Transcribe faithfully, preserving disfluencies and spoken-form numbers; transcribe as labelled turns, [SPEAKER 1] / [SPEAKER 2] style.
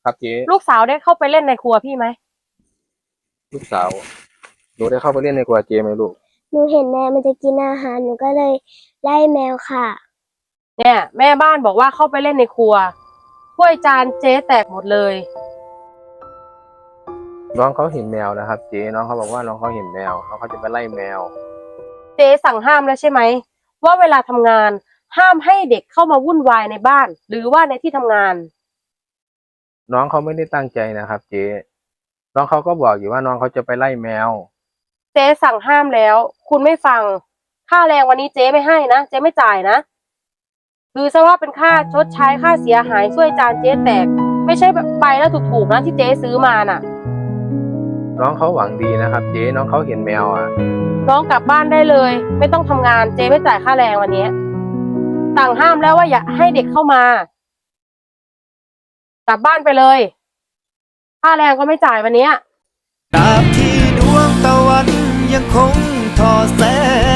[SPEAKER 1] ครับเจ๊
[SPEAKER 2] ลูกสาวได้เข้าไปเล่นในครัวพี่ไหม
[SPEAKER 1] ลูกสาวหนูได้เข้าไปเล่นในครัวเจ๊ไหมลูก
[SPEAKER 3] หนูเห็นแมวมันจะกินอาหารหนูก็เลยไล่แมวค่ะ
[SPEAKER 2] เนี่ยแม่บ้านบอกว่าเข้าไปเล่นในครัวถ้วยจานเจ๊แตกหมดเลย
[SPEAKER 1] น้องเขาเห็นแมวนะครับเจ๊น้องเขาบอกว่าน้องเขาเห็นแมวน้องเขาจะไปไล่แมว
[SPEAKER 2] เจ๊สั่งห้ามแล้วใช่ไหมว่าเวลาทำงานห้ามให้เด็กเข้ามาวุ่นวายในบ้านหรือว่าในที่ทำงาน
[SPEAKER 1] น้องเขาไม่ได้ตั้งใจนะครับเจ๊น้องเขาก็บอกอยู่ว่าน้องเขาจะไปไล่แมว
[SPEAKER 2] เจ๊สั่งห้ามแล้วคุณไม่ฟังค่าแรงวันนี้เจ๊ไม่ให้นะเจ๊ไม่จ่ายนะคือซะว่าเป็นค่าชดใช้ค่าเสียหายช่วยจานเจ๊แตกไม่ใช่แบบไปแล้วถูกๆนะที่เจ๊ซื้อมาน่ะ
[SPEAKER 1] น้องเขาหวังดีนะครับเจ๊น้องเขาเห็นแมวอ่ะ
[SPEAKER 2] น้องกลับบ้านได้เลยไม่ต้องทำงานเจ๊ไม่จ่ายค่าแรงวันนี้สั่งห้ามแล้วว่าอย่าให้เด็กเข้ามากลับบ้านไปเลยค่าแรงก็ไม่จ่ายวันนี้
[SPEAKER 4] ตราบที่ดวงตะวันยังคงทอแสง